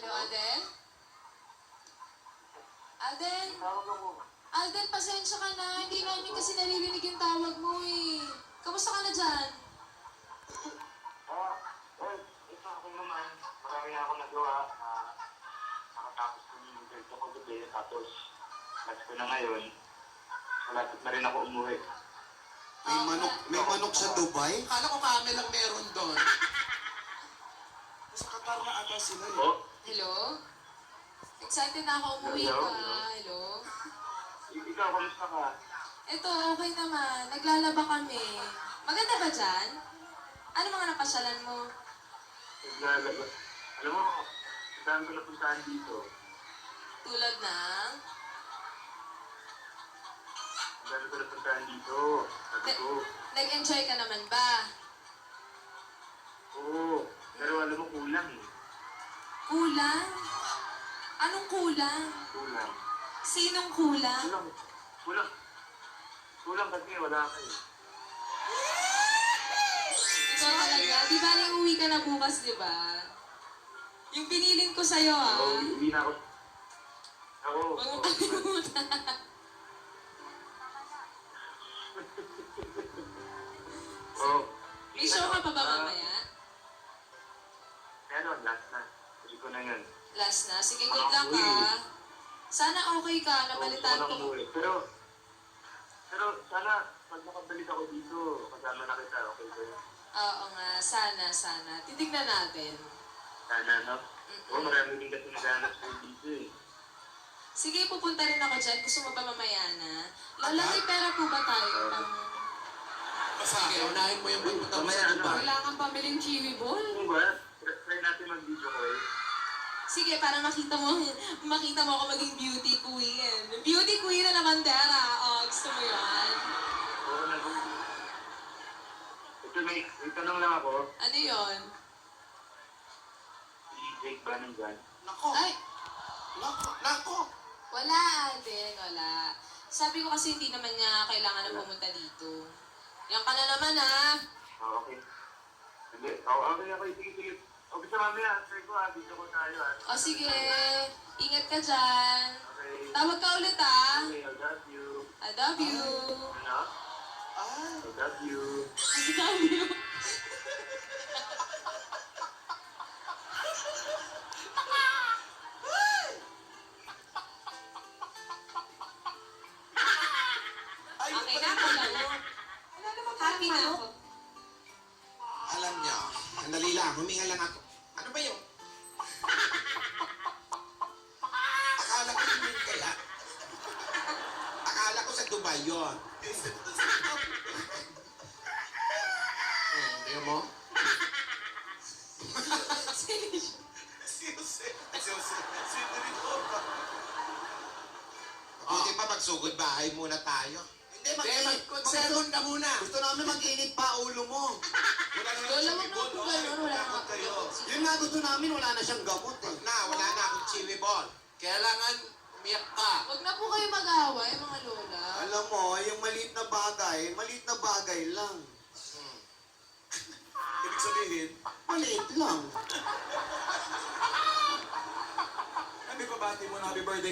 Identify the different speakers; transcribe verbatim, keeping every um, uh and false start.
Speaker 1: Hello, Alden? Alden?
Speaker 2: Tawag ako.
Speaker 1: Alden, pasensya ka na. Hindi namin kasi naririnig yung tawag mo eh. Kamusta ka na dyan?
Speaker 2: Ah, well, ito ako naman. Marami na ako nagawa. Ah, nakatapos ko yung result ko gabi. Tapos, last ko na ngayon. Malapit na rin ako umuwi.
Speaker 3: May
Speaker 1: Oo
Speaker 3: manok,
Speaker 1: nga.
Speaker 3: may manok sa Dubai?
Speaker 4: Kala ko kami lang meron doon. Sa Qatar na ata sila eh.
Speaker 2: Oh,
Speaker 1: Hello? Excited na ako umuwi
Speaker 2: Hello?
Speaker 1: ka. Hello?
Speaker 2: i- ikaw, kamusta ka?
Speaker 1: Ito, okay naman. Naglalaba kami. Maganda ba dyan? Ano mga napasyalan mo?
Speaker 2: Naglalaba. Alam mo, ang dami ko napuntahan dito.
Speaker 1: Tulad ng...
Speaker 2: Ang dami ko napuntahan dito. Sabi ko,
Speaker 1: Nag-enjoy ka naman ba?
Speaker 2: oo. Pero alam mo, kulang eh.
Speaker 1: Kulang? Anong kulang?
Speaker 2: Kulang.
Speaker 1: Sinong kulang?
Speaker 2: Kulang. Kulang. Kulang kasi wala ka eh.
Speaker 1: Ikaw talaga. Di ba rin uwi ka na bukas, di ba? Yung pinilin ko sa'yo, ah.
Speaker 2: Oo, hindi na ako. Ako.
Speaker 1: Huwag mo
Speaker 2: oo.
Speaker 1: kalimutan.
Speaker 2: Oo.
Speaker 1: May show ka pa ba mamaya?
Speaker 2: Ano, last na. Kasi ko na yun.
Speaker 1: Last na. Sige, good luck, ah. Sana okay ka. Nabalitaan
Speaker 2: Oo, gusto ko na
Speaker 1: ko.
Speaker 2: umuwi. Pero, pero sana, pag nakabalik ako dito, kasama na kita, okay ba yun?
Speaker 1: Oo nga. Sana, sana. Titignan natin.
Speaker 2: Sana, no? Oo, marami din kasi naghanap sa'yo dito eh.
Speaker 1: Sige, pupunta rin ako dyan. Gusto mo ba mamaya na? Lola, may pera po ba tayo? Pang...
Speaker 4: Sige, unahin mo yung pagpunta mo
Speaker 2: Mamaya,
Speaker 4: sa
Speaker 2: ano?
Speaker 4: Dubai.
Speaker 1: Kailangan pamiling kiwi ball?
Speaker 2: Ano ba? Try try natin mag-video ko eh.
Speaker 1: Sige, para makita mo, makita mo ako maging beauty queen. Beauty queen na naman, Dara. Oh, gusto mo yan?
Speaker 2: Oo na. Ito, may, may tanong lang ako.
Speaker 1: Ano yon?
Speaker 2: Si Jake ba nandyan?
Speaker 4: Nako,
Speaker 1: Ay,
Speaker 4: nako, nako.
Speaker 1: wala, Alden, wala. Sabi ko kasi hindi naman niya kailangan na pumunta dito. Yan ka na naman, ha?
Speaker 2: Oo, okay. Hindi, oo, okay, okay, sige, sige. O, bisa mamaya, try ko ha, video ko tayo ha.
Speaker 1: O sige, ingat ka dyan.
Speaker 2: Okay.
Speaker 1: Tawag ka ulit, ha?
Speaker 2: Okay, I love you.
Speaker 1: I love you.
Speaker 2: Ano?
Speaker 4: Ah,
Speaker 2: I love you.
Speaker 1: I love you.
Speaker 4: ay,
Speaker 1: Okay na ako lang. Happy na ako.
Speaker 3: Alam niyo, sandali lang, huminga lang ako. Ano ba yun? Akala ko yun yun kaya. Akala ko sa Dubai yun. Hmm, tingnan mo?
Speaker 1: Seriously.
Speaker 4: Siyose. Siyose. Siyose rin ko.
Speaker 3: Buti pa magsugod bahay muna tayo.
Speaker 4: Hindi, mag- mag-sermon ka muna.
Speaker 3: Gusto namin mag-init pa ulo mo.
Speaker 4: Wala na
Speaker 1: Lola,
Speaker 4: lang
Speaker 1: wag mo po ganun. Wala na
Speaker 4: Takot kayo.
Speaker 3: Yun nga gusto namin, wala na siyang gamot eh. Na, wala na akong chiwi ball.
Speaker 4: Kailangan umiyak ka.
Speaker 1: Huwag na po kayo mag-away, mga lola.
Speaker 3: Alam mo, yung maliit na bagay, maliit na bagay lang.
Speaker 4: Ibig sabihin,
Speaker 3: Maliit lang.
Speaker 4: ano ba bati mo na happy birthday